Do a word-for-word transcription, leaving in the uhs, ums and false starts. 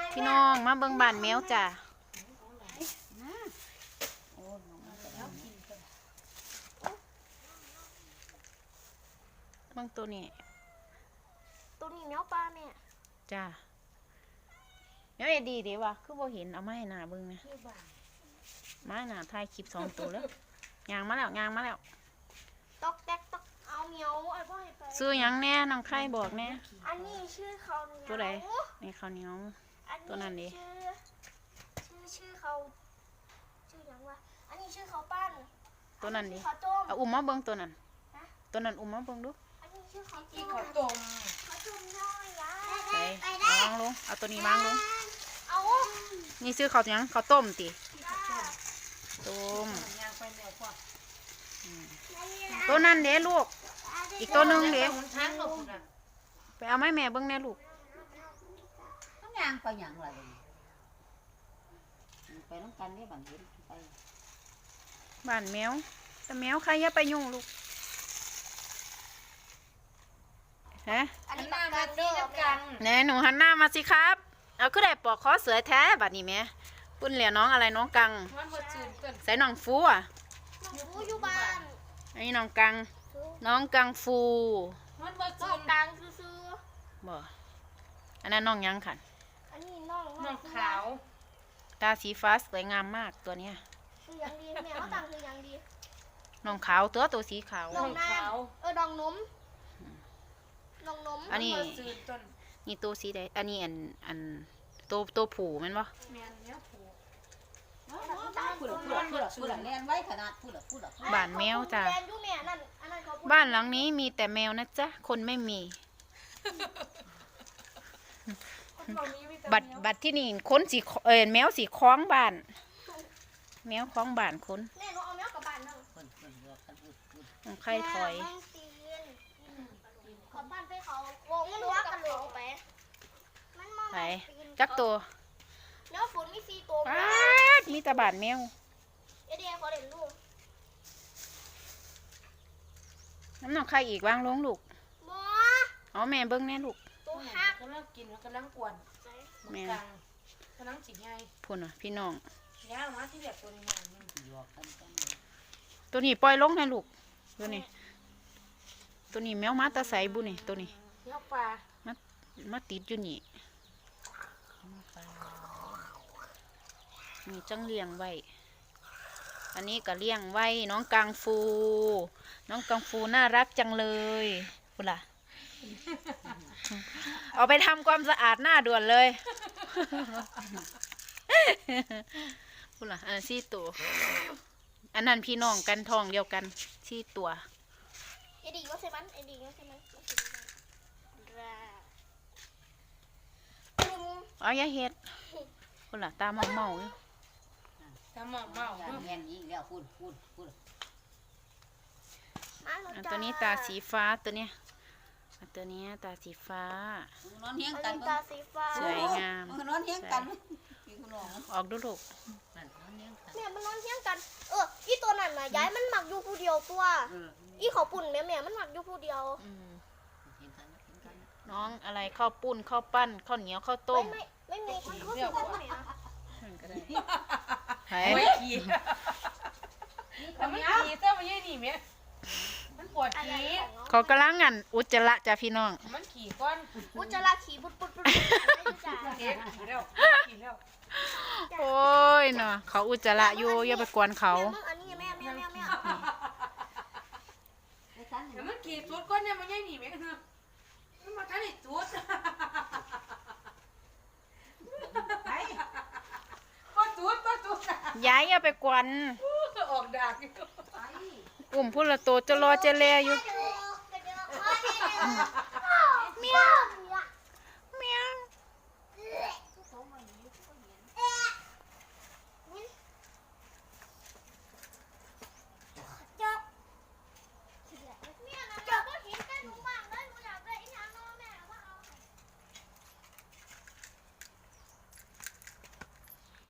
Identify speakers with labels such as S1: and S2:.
S1: พี่น้องมาเบิ่งบ้านแมวจ้ะเบิ่งตัวนี้
S2: ตัวนี้แมวปลาเนี่ย
S1: จ้ะแมวเอ็ดดีเดี๋ยววะคือบ่เห็นเอามาให้หน้าเบิ่งนะมาหน้าถ่ายคลิปสองตัวแล้วยางมาแล้วยางมาแล้ว
S2: ตอกแตกตอกเอาเหมียวไอ้พ่อให้ไป
S1: ซื้อยังแน่น้องไข่บอกแน่
S2: อันนี้ชื่อเขา
S1: ตัวไหนนี่ข้าวเหนียวตัวนั้นดิ
S2: ชื่อชื่อชื่อเขาชื่อยังวะอันนี้ชื่อเขาปั้น
S1: ตัวนั้นดิ
S2: เขาต้ม
S1: เอาอุ้มมาเบิ่งตัวนั้นตัวนั้นอุ้มมาเบิ่งดู
S2: อันนี้ชื่อเขาต้ม
S3: เขาต้ม
S2: เขาต้มน้อยยา
S1: ไปวางลงเอาตัวนี้วางลง
S2: เอา
S1: นี่ซื้อข้าวยังข้าวต้มติต้มตัวนั้นเด้ลูกอีกตัวหนึ่งเด้ไปเอาไม้แม่เบิ้งแน่ลูก
S3: ต้องยางไปอย่างไรไปน้ำกันนี่บางทีไป
S1: บ้านแมวแต่แมวใครอย่าไปยุ่งลูกฮะ
S2: อันนี้มากันเด้อกัน
S1: แน่หนูหันหน้ามาสิครับเอาขึ้นได้ปอกคอเสือแท้บัดนี้แม่ปุ่นเหลียวน้องอะไรน้องกังใส่น้องฟูอ่ะ
S2: น้องฟูอยู่บ้าน
S1: อันนี้น้องกังน้องกังฟู
S2: น้องกังซื้อ
S1: บ่อันนั้นน้องยังขัน
S2: อันนี้น้อง
S3: น้องขาว
S1: ตาสีฟ้าสวยงามมากตัวเนี้ย
S2: คือยังดีแม่เขาตังคือยังดี
S1: น้องขาวตัวตัวสีขาว
S2: น้องน้ำเออน้องนมน้องนม
S1: อันนี้นี่ตัวสีใดอันนี้อันอันตัวตัวผูมันบ่บ้านแมวจ้ะบ้านหลังนี้มีแต่แมวนะจ๊ะคนไม่มีบัดบัดที่นี่คนสีเออแมวสีคล้องบ้านแมวคล้องบ้านคน
S2: แม่หนูเอาแมวกับบ้านนั่ง
S1: ใครถอย
S2: ขอบ้านไปเขาวงมันว่ากันเลยไปมันมอง
S1: ไปจักตัว
S2: เนื้อฝนมีสี่ตัว
S1: มีแต่บ้านแมว
S2: เอเดียขอเด่นลูก
S1: น้ำหนักใครอีกวางลงลูก
S2: บัว
S1: อ๋อแม่เบิ้งแน่ลูก
S2: ตัวหัก
S3: กำลังกินแล้วกำลังกวน
S1: แม่
S3: กำลังจิกไง
S1: พุ่นอ่ะพี่น้อง
S3: ย่ามาที่แบบตัวนี้
S1: ตัวนี้ปล่อยลงให้ลูกตัวนี้ตัวนี้แมวมาตาใสบุนี่ตัวนี้
S3: แมวปลา
S1: มามาติดอยู่นี่นี่จังเลี้ยงไว้อันนี้ก็เลี้ยงไว้น้องกังฟูน้องกังฟูน่ารักจังเลยพุ่นล่ะเอาไปทำความสะอาดหน้าด่วนเลยพุ่นล่ะอันนั้นสี่ตัวอันนั้นพี่น้องกันทองเดียวกันสี่ตัว
S2: ไอ้ดีก็ใช่ไหมไอ้ดีก็ใช่ไหม
S1: เอาอย่าเฮ็ดพุ่นล่ะตาเมาเมาอยู่
S3: ตาเมาเมา
S2: เงี้ยอีกแล้วพูดพูดพูด
S1: ตัวนี้ตาสีฟ้าตัวเนี้ยตัวนี้ตาสีฟ้าน
S3: อนเฮี้ยงกัน
S2: ตาสีฟ้า
S1: สวยงาม
S3: นอนเฮี้ยงกัน
S1: ออกดูลูก
S2: เนี่ยมันนอนเฮี้ยงกันเอออีตัวนั้นน่ะย้ายมันหมักอยู่ผู้เดียวตัวอีเขาปุ่นแม่แม่มันหมักอยู่ผู้เดียว
S1: น้องอะไรข้าวปุ้นข้าวปั้นข้าวเหนียวข้าวต้ม
S2: ไม่ไม่มีข้าวเหนียว
S1: ก็ได้
S3: ไม่ขี่แต่มันขี่เจ้ามันยี่หนีไหมมันปวดขี่
S1: เขากำลังงันอุจจาระจ้ะพี่น้อง
S3: มันขี่ก้อน
S2: อุจจาระขี่ปุดปุดปุด
S3: ขี่แล้วขี่แล้ว
S1: โอ้ยเนาะเขาอุจจาระอยู่อย่าไปกวนเขา
S2: อันนี้แม่แม่แม่แม่
S3: แต่มันขี่จุดก้อนเนี่ยมันยี่หนีไหมมันมาทันไอ้จุด
S1: ย้ายอย่าไปกวน
S3: ออกดาก
S1: กลุ่มพุ่นละโตจะรอเจเลอยู่
S2: เมียว